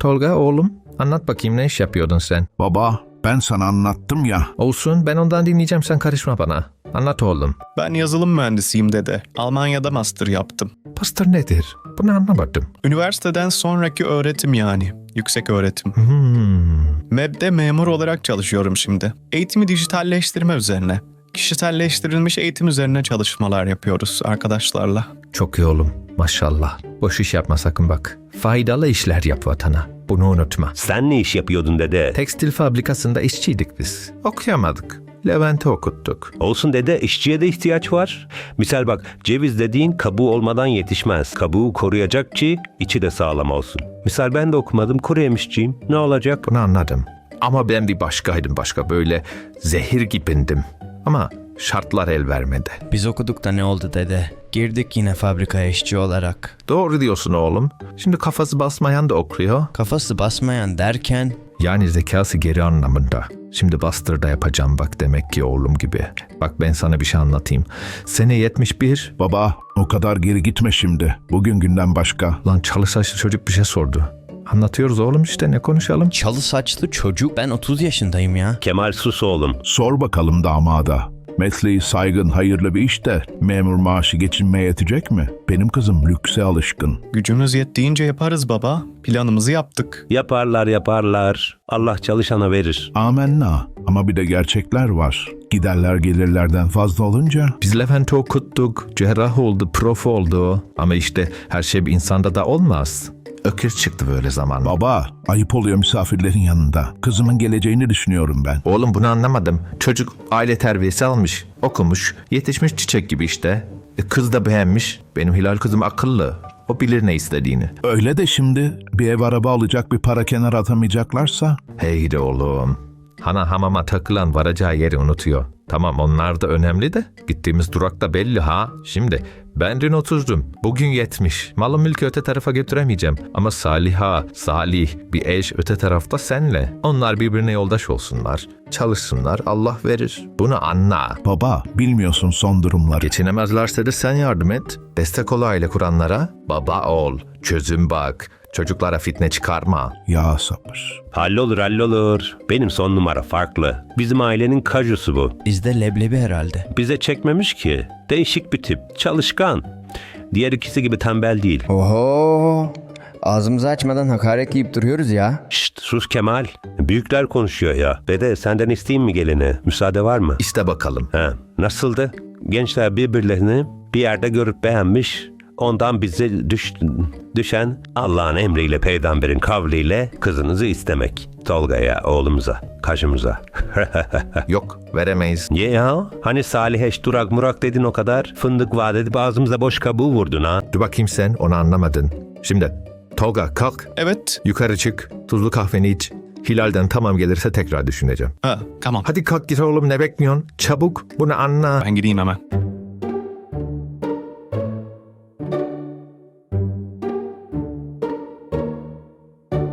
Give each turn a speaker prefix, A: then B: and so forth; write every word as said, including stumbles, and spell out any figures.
A: Tolga oğlum, anlat bakayım ne iş yapıyordun sen?
B: Baba, ben sana anlattım ya.
A: Olsun, ben ondan dinleyeceğim, sen karışma bana. Anlat oğlum.
C: Ben yazılım mühendisiyim dede. Almanya'da master yaptım.
A: Master nedir? Bunu anlamadım.
C: Üniversiteden sonraki öğretim yani. Yüksek öğretim.
A: Hmm.
C: M E B'de memur olarak çalışıyorum şimdi. Eğitimi dijitalleştirme üzerine. Kişiselleştirilmiş eğitim üzerine çalışmalar yapıyoruz arkadaşlarla.
A: Çok iyi oğlum, maşallah. Boş iş yapma sakın bak. Faydalı işler yap vatana. Bunu unutma.
D: Sen ne iş yapıyordun dede?
A: Tekstil fabrikasında işçiydik biz. Okuyamadık. Levent'i okuttuk.
D: Olsun dede, işçiye de ihtiyaç var. Misal bak, ceviz dediğin kabuğu olmadan yetişmez. Kabuğu koruyacak ki içi de sağlam olsun. Misal ben de okumadım, kuru yemişçiyim. Ne olacak?
A: Bunu anladım. Ama ben bir başkaydım, başka böyle zehir gibindim. Ama şartlar el vermedi.
E: Biz okuduk da ne oldu dede? Girdik yine fabrikaya işçi olarak.
A: Doğru diyorsun oğlum. Şimdi kafası basmayan da okuyor.
E: Kafası basmayan derken...
A: Yani zekası geri anlamında. Şimdi bastır da yapacağım bak demek ki oğlum gibi. Bak ben sana bir şey anlatayım. Sene yetmiş bir.
B: Baba, o kadar geri gitme şimdi. Bugün günden başka.
A: Lan çalı saçlı çocuk bir şey sordu. Anlatıyoruz oğlum işte, ne konuşalım?
E: Çalı saçlı çocuk. Ben otuz yaşındayım ya.
D: Kemal sus oğlum.
B: Sor bakalım damada. Mesleği saygın, hayırlı bir iş de memur maaşı geçinmeye yetecek mi? Benim kızım lükse alışkın.
C: Gücümüz yettiğince yaparız baba. Planımızı yaptık.
D: Yaparlar yaparlar. Allah çalışana verir.
B: Amenna. Ama bir de gerçekler var. Giderler gelirlerden fazla olunca...
A: Biz Levent'i okuttuk, cerrah oldu, prof oldu. Ama işte her şey bir insanda da olmaz. Ökür çıktı böyle zaman.
B: Baba, ayıp oluyor misafirlerin yanında. Kızımın geleceğini düşünüyorum ben.
A: Oğlum bunu anlamadım. Çocuk aile terbiyesi almış, okumuş, yetişmiş çiçek gibi işte. E, kız da beğenmiş. Benim Hilal kızım akıllı. O bilir ne istediğini.
B: Öyle de şimdi bir ev araba alacak, bir para kenara atamayacaklarsa...
A: Hey de oğlum. Hana hamama takılan varacağı yeri unutuyor. Tamam onlar da önemli de gittiğimiz durakta belli ha. Şimdi ben dün oturdum. Bugün yetmiş. Malı mülkü öte tarafa götüremeyeceğim. Ama Saliha, Salih bir eş öte tarafta senle. Onlar birbirine yoldaş olsunlar. Çalışsınlar, Allah verir. Bunu anla.
B: Baba, bilmiyorsun son durumları.
A: Geçinemezlerse de sen yardım et. Destek ol aile kuranlara. Baba ol. Çözüm bak. Çocuklara fitne çıkarma.
B: Ya sabır.
D: Hallolur hallolur. Benim son numara farklı. Bizim ailenin kajusu bu.
E: Bizde leblebi herhalde.
D: Bize çekmemiş ki. Değişik bir tip. Çalışkan. Diğer ikisi gibi tembel değil.
F: Oho! Ağzımızı açmadan hakaret yiyip duruyoruz ya.
D: Şşt sus Kemal. Büyükler konuşuyor ya. Dede senden isteyeyim mi gelini? Müsaade var mı?
A: İste bakalım.
D: Ha, nasıldı? Gençler birbirlerini bir yerde görüp beğenmiş. Ondan bize düş, düşen Allah'ın emriyle, peygamberin kavliyle kızınızı istemek. Tolga'ya, oğlumuza, kaşımıza.
A: Yok, veremeyiz.
D: Ye ya? Hani Saliheş durak murak dedin o kadar. Fındık vaat edip ağzımıza boş kabuğu vurdun ha.
A: Dur bakayım sen, onu anlamadın. Şimdi Tolga kalk,
C: Evet.
A: yukarı çık, tuzlu kahveni iç. Hilal'den tamam gelirse tekrar düşüneceğim.
C: Ha, tamam.
A: Hadi kalk git oğlum, ne bekliyorsun? Çabuk bunu anla.
C: Ben gideyim hemen.